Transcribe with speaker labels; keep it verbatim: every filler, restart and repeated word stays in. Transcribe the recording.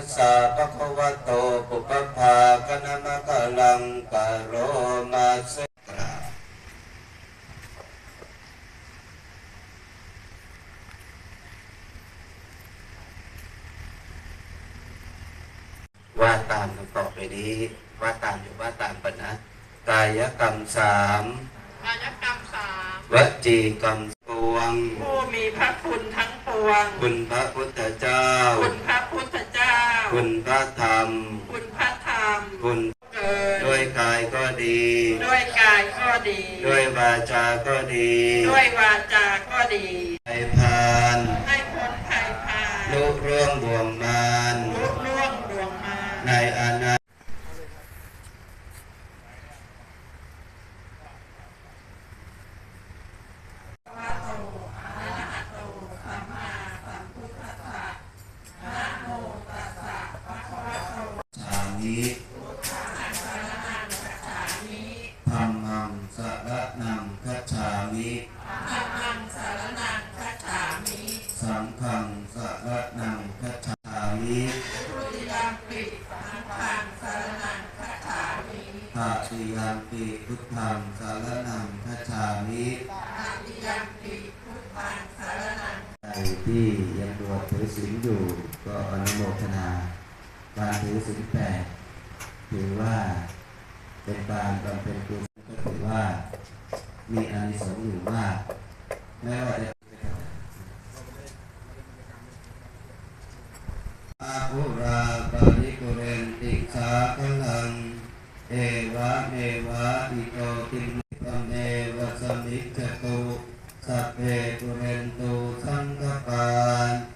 Speaker 1: สสะภะคะวะโตปุพพาคณมะกะลังกะโรมาเสกราว่าตามต่อไปนี้ว่าตามอยู่ว่าตามปะนะกายกรรมสาม
Speaker 2: กายกรรมสาม
Speaker 1: วจีกรรมปวง
Speaker 2: ผู้มีพระคุณทั้งปวง
Speaker 1: คุณพระพุทธเจ้า
Speaker 2: คุณพระพุทธเจ้า
Speaker 1: คุณพระธรรม
Speaker 2: คุณพระธรรม
Speaker 1: คุณ
Speaker 2: เกิด
Speaker 1: ด้วยกายก็ดี
Speaker 2: ด้วยกายก็ดี
Speaker 1: ด้วยวาจาก็ดี
Speaker 2: ด้วยวาจาก็ดี
Speaker 1: ให้พาน
Speaker 2: ให้พ้นภัยพาน
Speaker 1: ลุร่วงบ่วงมาร
Speaker 2: ลุล่วงดวงมาร
Speaker 1: ในอนาธัมมังสรณังคัจฉามิ
Speaker 2: ธัมมังสรณังคัจฉามิ
Speaker 1: สังฆังสรณังคัจฉามิ
Speaker 2: ทุติยัมปิสังฆังสรณังคัจฉามิ
Speaker 1: ตติยัมปิพุทธังสรณังคัจฉามิ
Speaker 2: ตติยัมปิพุทธังสรณัง
Speaker 1: ใครที่ยังบวชถือศีลอยู่ก็อนุโมทนาการถือศีลแปดถือว่าเป็นการบำเพ็ญกุศลก็ถือว่ามีอานิสงส์อยู่มากแม้ว่าจะอาภุราปาริปุเรนติสาคลังเอวะเมวะอิโตตินังเอวะสมิจจตุสัพเพปุเรนตุสังฆปาน